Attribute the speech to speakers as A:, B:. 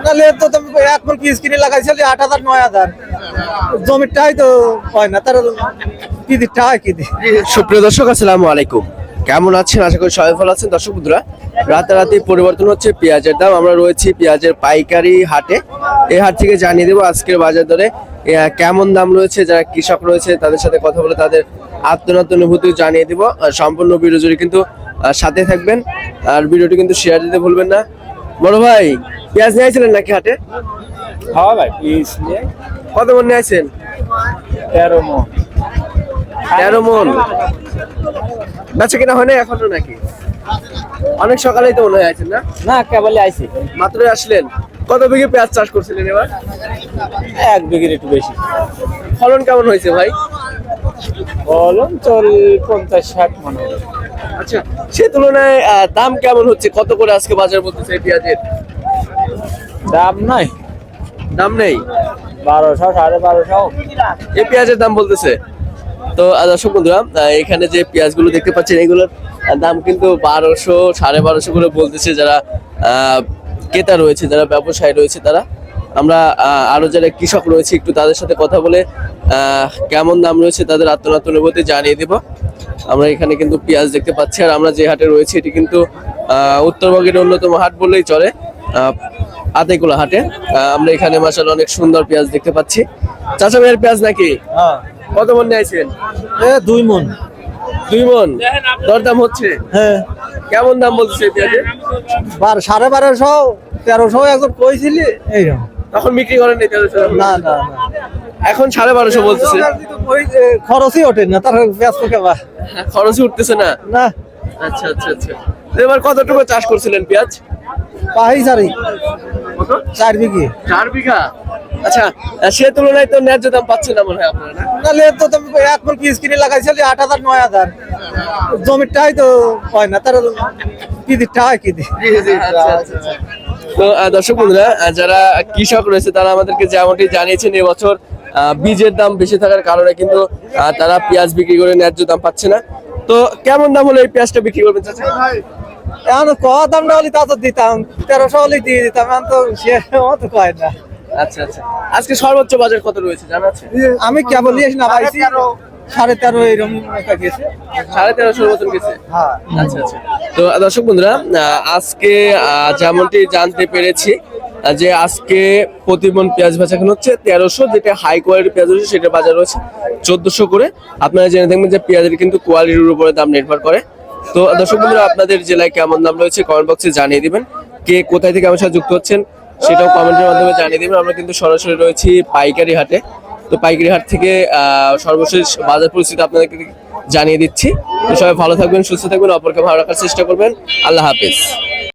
A: তাহলে তো তুমি এখন পিস কিনে লাগাইছিলে 8,000 9,000 জমিটাই তো হয় না তার কি দিতে হয় কি দি।
B: সুপ্রিয় দর্শক আসসালামু আলাইকুম, কেমন আছেন? আশা করি সবাই ভালো আছেন। দর্শক বন্ধুরা, রাতারাতি পরিবর্তন হচ্ছে পেঁয়াজের দাম। আমরা রয়েছি পেঁয়াজের পাইকারি হাটে। এই হাট থেকে জানিয়ে দেবো আজকের বাজার দরে কেমন দাম রয়েছে। যারা কৃষক রয়েছে তাদের সাথে কথা বলে তাদের আত্মনাত্ম অনুভূতি জানিয়ে দিব। সম্পূর্ণ ভিডিও জুড়ে কিন্তু সাথে থাকবেন, আর ভিডিওটি কিন্তু শেয়ার দিতে ভুলবেন না। বড় ভাই, পেঁয়াজ নিয়ে আসছিলেন নাকি হাটে?
A: হ্যাঁ ভাই পিস নিয়ে
B: কত মন নিয়ে আসছেন?
A: 13 মণ।
B: 13 মন। বেচা কিনা হয় না এখনো নাকি? অনেক সকালেই তো মনে হয় আছেন না?
A: না কেবলই আইছি,
B: মাত্রই আসলেন। কত বিঘে পেঁয়াজ চাষ করছিলেন এবার?
A: 1 বিঘের একটু বেশি।
B: ফলন কেমন হয়েছে ভাই?
A: বলুন চল 50-60 মণ।
B: আচ্ছা, সে তুলনায় দাম কেমন হচ্ছে? কত করে আজকে বাজার বলতেছে এই পেঁয়াজের?
A: দাম নাই,
B: দাম নেই।
A: 1200 1250।
B: এই পেঁয়াজের দাম বলতেছে। তো দর্শক বন্ধুরা, এখানে যে পেঁয়াজগুলো দেখতে পাচ্ছেন এগুলোর দাম কিন্তু 1200 1250 করে বলতেছে যারা ক্রেতা রয়েছে, যারা ব্যবসায়ী রয়েছে তারা। আমরা আরো যারা কৃষক রয়েছে একটু তাদের সাথে কথা বলে কেমন দাম রয়েছে তাদের আত্মনাত্ম অনুভূতি জানিয়ে দেব। আমরা এখানে কিন্তু পেঁয়াজ দেখতে পাচ্ছি, আর আমরা যে হাটে রয়েছি এটি কিন্তু উত্তরবঙ্গের অন্যতম হাট বললেই চলে, আতাইকুলা হাটে। আমরা এখানে মাশাআল্লাহ অনেক সুন্দর পেঁয়াজ দেখতে পাচ্ছি। চাচা ভাইয়ের পেঁয়াজ নাকি?
A: হ্যাঁ
B: কত মন নিয়েছেন?
A: 2 মণ।
B: 2 মন। দরদাম হচ্ছে?
A: হ্যাঁ
B: কেমন দাম বলছে পেঁয়াজের?
A: 1250 1300 একজন কইছিলি এইরকম।
B: তখন বিক্রি করেন নাই 1300?
A: না না
B: এখন 1250 বলতেছে।
A: ওই খরচই ওঠে না, তার ব্যস্ত কেবা
B: খরচই উঠতেছে না।
A: না।
B: আচ্ছা আচ্ছা আচ্ছা। তো এবার কতটুকু চাষ করছিলেন পেঁয়াজ?
A: পাহি সারি
B: কত?
A: 4 বিঘি।
B: 4 বিঘা। আচ্ছা, সে তুলনায় তো ন্যায্য দাম পাচ্ছেন না মনে হয় আপনারা, না?
A: তাহলে তো তুমি এখন পিস কিনে লাগাইছিলে 8,000 9,000 জমিটাই তো হয় না তার কি দিতে হয় কি দি।
B: আচ্ছা, আচ্ছা, আচ্ছা। তো দর্শক বন্ধুরা, যারা কৃষক রয়েছে তারা আমাদেরকে যেমনটি জানিয়েছেন এবছর বীজের দাম বেশি থাকার কারণে কিন্তু তারা পেঁয়াজ বিক্রি করে ন্যায্য দাম পাচ্ছে না। তো কেমন দাম হলে এই পেঁয়াজটা বিক্রি করবেন চাচা?
A: এখন দামটা হলে তা তো দিতাম, 1300 হলে দিয়ে দিতাম, এখন তো সে অত কয় না।
B: আচ্ছা আচ্ছা। আজকে সর্বোচ্চ বাজার কত রয়েছে জানা আছে?
A: আমি কেবল না পাইছি 13.5 এরকম গেছে।
B: 1350 মতন গেছে।
A: হ্যাঁ
B: আচ্ছা আচ্ছা। তো দর্শক বন্ধুরা, আজকে যেমনটি জানতে পেরেছি যে আজকে প্রতি মণ পেঁয়াজ বেচাকেনা হচ্ছে 1300, যেটা হাই কোয়ালিটির পেঁয়াজ রয়েছে সেটা বাজার রয়েছে 1400 করে। আপনারা জেনে থাকবেন যে পেঁয়াজের কিন্তু কোয়ালিটির উপরে দাম নির্ভর করে। তো দর্শক বন্ধুরা, আপনাদের জেলায় কেমন দাম রয়েছে কমেন্ট বক্সে জানিয়ে দিবেন। কে কোথায় থেকে আমার সাথে যুক্ত হচ্ছেন সেটাও কমেন্টের মাধ্যমে জানিয়ে দিবেন। আমরা কিন্তু সরাসরি রয়েছি পাইকারি হাটে। তো পাইকারি হাট থেকে সর্বশেষ বাজার পরিস্থিতি আপনাদেরকে জানিয়ে দিচ্ছি। তো সবাই ভালো থাকবেন, সুস্থ থাকবেন, অপরকে ভালো রাখার চেষ্টা করবেন। আল্লাহ হাফেজ।